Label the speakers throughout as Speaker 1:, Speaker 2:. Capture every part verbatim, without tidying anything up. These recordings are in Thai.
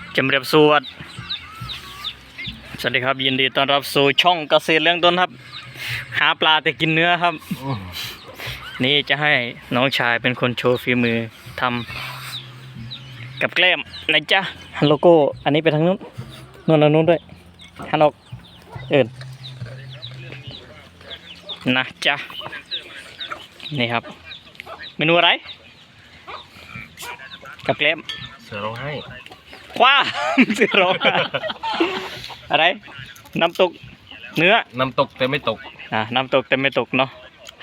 Speaker 1: จำเรียบสวดสวัสดีครับยินดีต้อนรับสู่ช่องเกษตรเลี้ยงต้นครับหาปลาแต่กินเนื้อครับนี่จะให้น้องชายเป็นคนโชว์ฝีมือทำกับแกล้มนะจ๊ะโลโก้อันนี้ไปทางนู้นนู้นทางนู้นด้วยฮันออกเอิญนะจ๊ะนี่ครับเมนูอะไรกับแกล้ม
Speaker 2: เสือร้องไห้
Speaker 1: คว้าเสือร้องอะไรน้ำตกเนื้อ
Speaker 2: น้ำตกแต่ไม่ตก
Speaker 1: อ่าน้ำตกแต่ไม่ตกเนาะ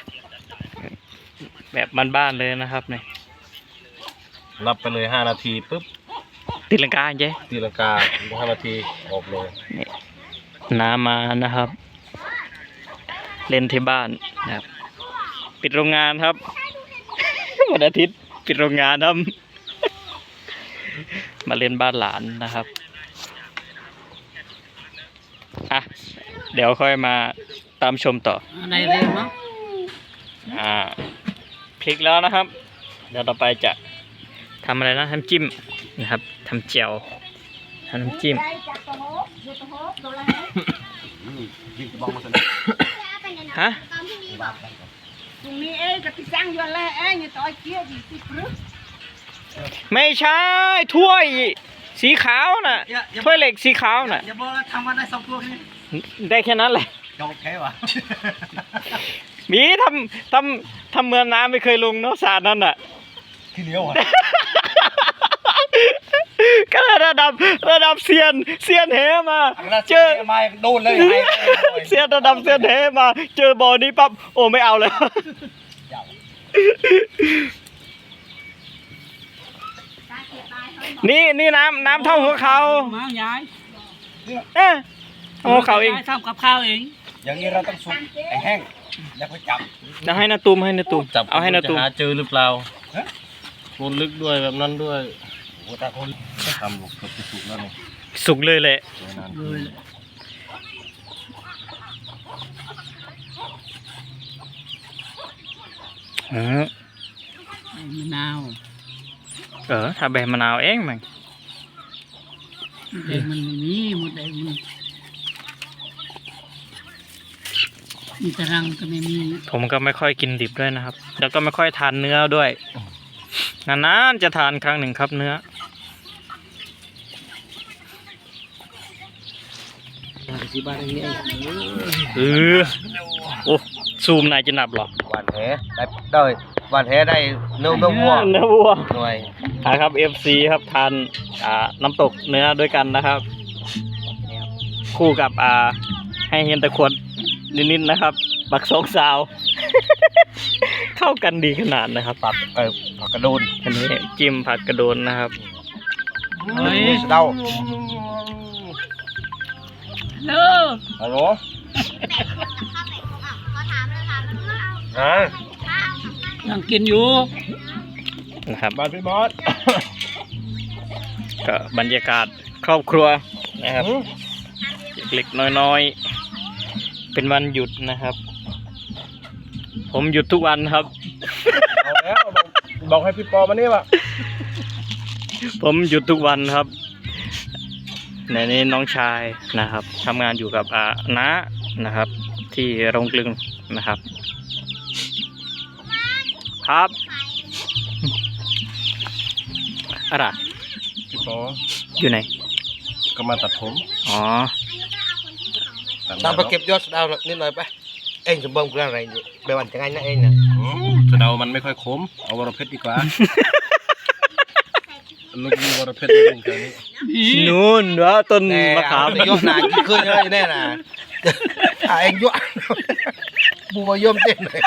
Speaker 1: แบบบ้านๆเลยนะครับนี่
Speaker 2: รับไปเลยห้านาทีปุ๊บ
Speaker 1: ตีลังกาเจ๊
Speaker 2: ตีลังกาห้านาทีออกเลย
Speaker 1: นี่น้ำมานะครับเล่นที่บ้านนะครับปิดโรงงานครับวันอาทิตย์ปิดโรงงานครับมาเล่นบ้านหลานนะครับอ่ะเดี๋ยวค่อยมาตามชมต่อ
Speaker 3: ในเรื่องเนาะ
Speaker 1: อ่าพลิกแล้วนะครับเดี๋ยวต่อไปจะทำอะไรนะทำจิ้มนะครับทำเจียวทำน้ำจิ้มฮะ
Speaker 3: ตรงนี้เอ้ยกับที่สร้างอยู่แล้วเอ้ยเนี่ยต่อยเกี้ยดีสิครับ
Speaker 1: ไม่ใช่ถ้วยสีขาวน่ะถ้วยเหล็กสีขาวน่ะ
Speaker 3: อย่าบอกว่าทำมาได้สองตัวนี้
Speaker 1: ได้แค่นั้นแหละ
Speaker 3: จบแค่วะ
Speaker 1: มีทำทำทำเมืองน้ำไม่เคยลงเนาะสาดนั่นน่ะ
Speaker 3: ขี้เหนียวอ่ะ
Speaker 1: ก็ระดับระดับเซียนเซียนเหมาเจอ
Speaker 3: มาโดนเลย
Speaker 1: เซียนระดับเซียนเหมาเจอบ่อนี้ปั๊บโอ้ไม่เอาเลยนี่นี่น้ำน้ำเท่าหัวเขา
Speaker 3: มายาย
Speaker 1: เอ๊ะหัวเขาเอง
Speaker 3: ทำกับข้าวเอง
Speaker 2: อย่างนี้เราต้องซุปไอ้แห้งแล้วก็จับ
Speaker 1: จะให้นาตูมให้นาตูม
Speaker 2: จับ
Speaker 1: เอาให้นาตูม
Speaker 2: หาเจอหรือเปล่าโคนลึกด้วยแบบนั้นด้วยโอ้ตาคนทำบุกสุกสุกแล้วนี่
Speaker 1: สุกเลยแหละ
Speaker 3: มะนาว
Speaker 1: เออถ้าใบมะนาวเองมั้ง
Speaker 3: เด็กมันมีหมดเลยมันมีตะรังก็ไม่มี
Speaker 1: ผมก็ไม่ค่อยกินดิบด้วยนะครับแล้วก็ไม่ค่อยทานเนื้อด้วยนานๆจะทานครั้งหนึ่งครับเนื้อเออโอ้ซูมนายจะนับหรอ
Speaker 2: หวานแหได้ได้หวานแหได้เนื้อเนื้อวัว
Speaker 1: เนื้อวัว
Speaker 2: หน่วย
Speaker 1: ครับ เอฟ ซี ครับทานอ่าน้ำตกเนื้อด้วยกันนะครับคู่กับอ่าให้เห็นตะขวดนิดๆนะครับบักสองสาวเข้ากันดีขนาดนะครับ
Speaker 2: ผักเออผักกระโดน
Speaker 1: อันนี้จิ้มผักกระโดนนะครับ
Speaker 2: เฮ้ยเดา
Speaker 3: เลิก
Speaker 2: ฮัลโหลฮะ
Speaker 3: ยังกินอยู่
Speaker 1: นะครับ
Speaker 2: บ้านพี่มอส
Speaker 1: ก็บรรยากาศครอบครัวนะครับเล็กๆน้อยๆเป็นวันหยุดนะครับผมหยุดทุกวันครับ
Speaker 2: เอาแล้วบอกให้พี่ปอมานี่วะ
Speaker 1: ผมหยุดทุกวันครับในนี้น้องชายนะครับทำงานอยู่กับอาน้านะครับที่โรงกลึงนะครับครับอะไร
Speaker 2: พี่ปอ
Speaker 1: อยู่ไหน
Speaker 2: ก็มาตัดผม
Speaker 1: อ๋อ
Speaker 2: ตามไปเก็บยอดสะเดานิดหน่อยไปเอ็งจะเบิ่งเรื่องอะไรนี่ไปวันจะไงนะเอ็งนะสะเดามันไม่ค่อยคมเอาวรเพชรดีกว่าลูกมีวรเพชรตรงนี้
Speaker 1: นู่นวะต้นมะขาม
Speaker 2: ยอดหนากี่คืนเลยแน่น่ะเอ็งยอดบูมายมเต้นเล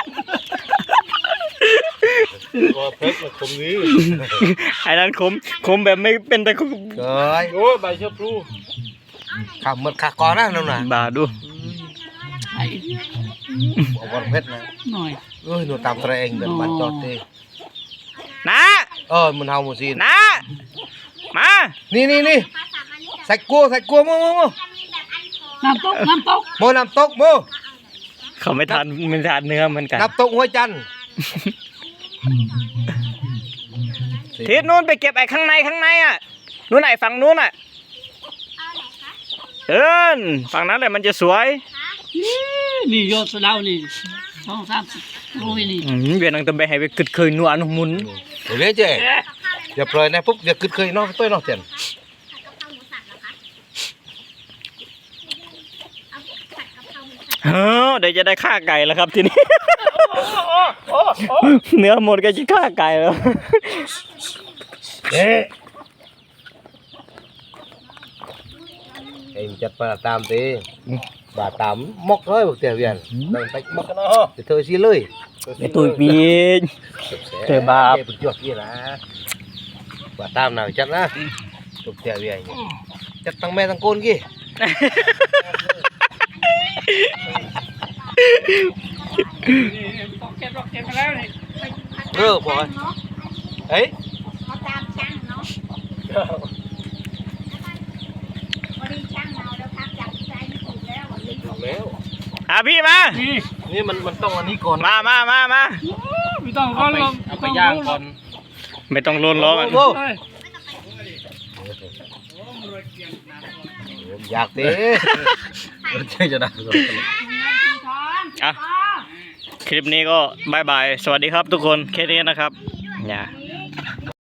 Speaker 2: ยวรเพชรมันคมนี้
Speaker 1: ไอ้นั่นคมคมแบบไม่เป็นแต่คม
Speaker 2: เฮ้ย
Speaker 1: โอ้ใบเชื้อพลู
Speaker 2: ขับมันขาก้อนนะน้องน่ะ
Speaker 1: บาดู
Speaker 3: ไอ้
Speaker 2: วรเพชรนะ
Speaker 3: หน่อย
Speaker 2: เอ้ยหนูตามตัวเองเดินมาจอดดิ
Speaker 1: นะ
Speaker 2: เออมันเฮาหมดสิ
Speaker 1: นะมา
Speaker 2: นี่นี่นี่ใส่กัวใส่กัวโม่โม่
Speaker 3: น้ำตกน้ำตก
Speaker 2: โม่น้ำตกโม่
Speaker 1: เขาไม่ทานไม่ทานเนื้อเหมือนกัน
Speaker 2: น้ำตกหัวจันทร์
Speaker 1: ทิศนู้นไปเก็บไอ้ข้างในข้างในอ่ะนู้นไหนฝั่งนู้นอ่ะเอิ้นฝั่งนั้นแหละมันจะสวย
Speaker 4: นี่ยอดสะเดานี่สองสามสิบโลนี่
Speaker 1: อืมเวียนนังตะเบให้ไปกึดเคยนัวนุ่มมุน
Speaker 2: เดี๋ยวเจ๊อย่าปล่อยนะปุ๊บอย่ากึดเคยน้องต้อยน้องเจน
Speaker 1: เฮ้อเดี๋ยวจะได้ฆ่าไก่แล้วครับทีนี้ เนื้อหมดก็จะฆ่าไก่แล้ว
Speaker 2: เอ๊ะเอ็งจัดปลาตามตีบาตามมกเลยบอกเตียเวียนนั่งไปมกกันเนาะจะเธอซีเลย
Speaker 1: ไอตุยปีน เธอบาป
Speaker 2: เจ็บจวกยี่นะบาตามหน่อยจัดนะตุกเตียเวียนจัดตั้งแม่ตั้งโกนกี่
Speaker 4: ต้องเก็บรอกเก็บมาแล้วนี่
Speaker 2: เออบอกเอ้ย
Speaker 3: เขาตามช่างเนาะวันนี้ช่างเมาแล้วพักจับใจไม่ถูกแล้ววันนี้
Speaker 2: ถูกแล้ว
Speaker 1: อ่ะพี่มา
Speaker 4: นี่
Speaker 2: นี่มันมันต้องอันนี้ก่อน
Speaker 1: มามามามา
Speaker 4: ไม่ต้องร้อนลม
Speaker 2: เอาไปย่างก่อน
Speaker 1: ไม่ต้องโลนล้อมัน
Speaker 2: โอ้
Speaker 4: เฮ้ย
Speaker 2: อยากเต้ใช่จะได้
Speaker 1: อ่ะ คลิปนี้ก็บายบาย สวัสดีครับทุกคน แค่นี้นะครับอย่า